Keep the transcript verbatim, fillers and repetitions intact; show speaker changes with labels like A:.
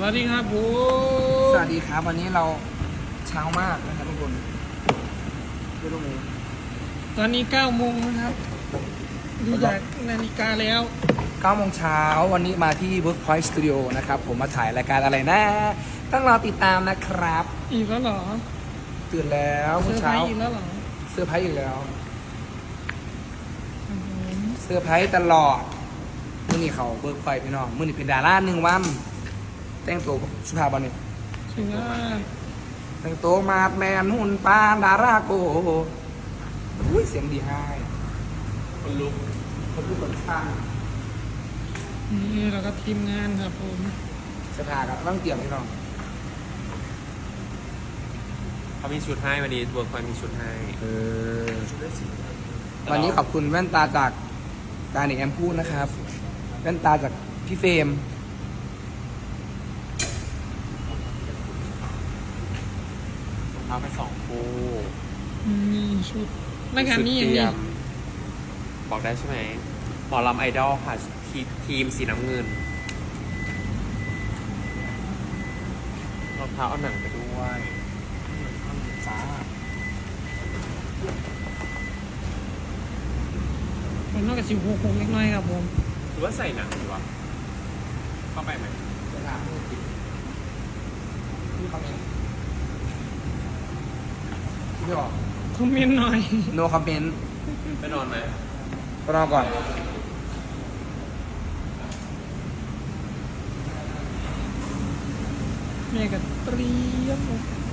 A: วัสดีครับผม
B: สวัสดีครับวันนี้เราเช้ามากนะครับทุกคนดูตรงนี้
A: ตอนนี้เก้าโมงนะครับดูจากนาฬิกาแล้ว
B: เก้าโมงเช้าวันนี้มาที่ Workpoint Studio นะครับผมมาถ่ายรายการอะไรนะต้องรอติดตามนะครับ
A: อีกแล้วเหรอ
B: ตื่นแล้ว
A: เซอ
B: เมื่อ
A: ร์ไพร
B: เช้า
A: ส์อีกแล้วเหรอ
B: เซอร์ไพรส์อีกแล้ว
A: อืม
B: เซอร์ไพรส์ตลอดมื่อนี้เขาเบิร์กไฟพี่น้องมื่อนี้เป็นดาราหนึ่งวันแต่งตัวสุภาพบุรุษ
A: ถึงว่า
B: แต่งตัวมาดแมนหุ่นปานดาราโกอุ้ยเสียงดีให้คนลุกคนลุกคนข้าง
A: นี่เราก็ทีมงานครับผม
B: สภากับต้องเตรียมพี่น้อง
C: เขามีชุดให้วันนี้เวิร์กพอยต์มีชุดให้
B: เออวันนี้ขอบคุณแว่นตาจากตาเน็กแอมพูดนะครับแว่นตาจากพี่เฟรม
C: เอาไปสองคู่
A: มีชุดรายการนี้อย่าง
C: ชุดเตรี
A: นี้
C: ยมบอกได้ใช่ไหมหมอลำไอดอลค่ะทีทีมสีน้ำเงินรองเท้าเอาหนังไปด้วย
B: จ้า
A: เป็นนอกจากสิบหกคงเล็กน้อยครับผม
C: หรือว่าใส่หนังดีวะเข้าไปไหม
B: จะถามพี่คอมเมนต์พี่บอก
A: คอมเมนต์หน่อย
B: no comment
C: ไปนอนไหม
B: ก็รอก่อน
A: แม่ก็เตรียม